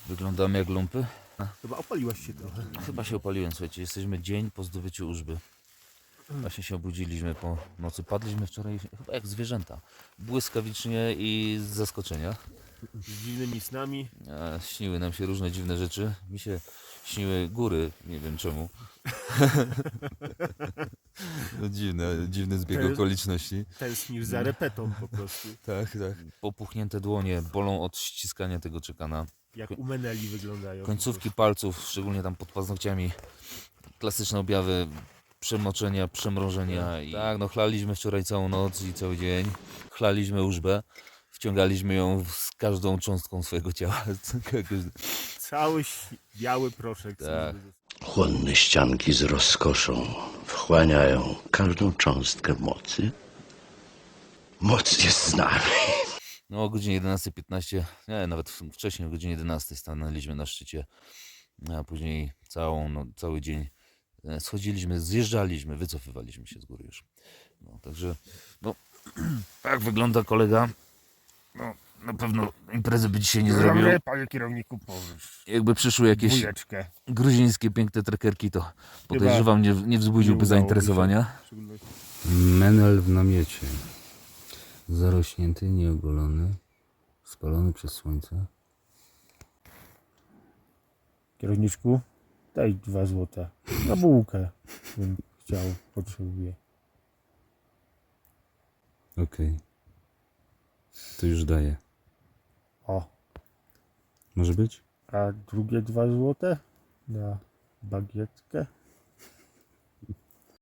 Wyglądamy jak lumpy. Chyba opaliłaś się trochę. Chyba się opaliłem, słuchajcie. Jesteśmy dzień po zdobyciu Użby. Właśnie się obudziliśmy po nocy. Padliśmy wczoraj chyba jak zwierzęta. Błyskawicznie i z zaskoczenia. Z dziwnymi snami. Śniły nam się różne dziwne rzeczy. Mi się śniły góry, nie wiem czemu. No dziwny zbieg okoliczności. Tęsknisz za repetą po prostu. Tak, tak. Popuchnięte dłonie bolą od ściskania tego czekana. Jak u Meneli wyglądają. Końcówki palców, szczególnie tam pod paznokciami. Klasyczne objawy przemoczenia, przemrożenia. Tak, no chlaliśmy wczoraj całą noc i cały dzień. Chlaliśmy Użbę. Wciągaliśmy ją z każdą cząstką swojego ciała. Cały biały proszek. Tak. Chłonne ścianki z rozkoszą wchłaniają każdą cząstkę mocy. Moc jest z nami. No o godzinie 11:15, nie, nawet wcześniej o godzinie 11 stanęliśmy na szczycie, a później cały dzień schodziliśmy, zjeżdżaliśmy, wycofywaliśmy się z góry już. No, także, no, tak wygląda kolega. No, na pewno imprezy by dzisiaj nie zrobił. Panie kierowniku, powiesz. Jakby przyszły jakieś Dwójeczkę. gruzińskie piękne trekerki, to podejrzewam, nie wzbudziłby udało zainteresowania. Menel w namiocie. Zarośnięty, nieogolony, spalony przez słońce. Kierowniczku, daj 2 złote. Na bułkę bym chciał, potrzebuję. Okej. To już daję. O, Może być? a drugie 2 złote na bagietkę?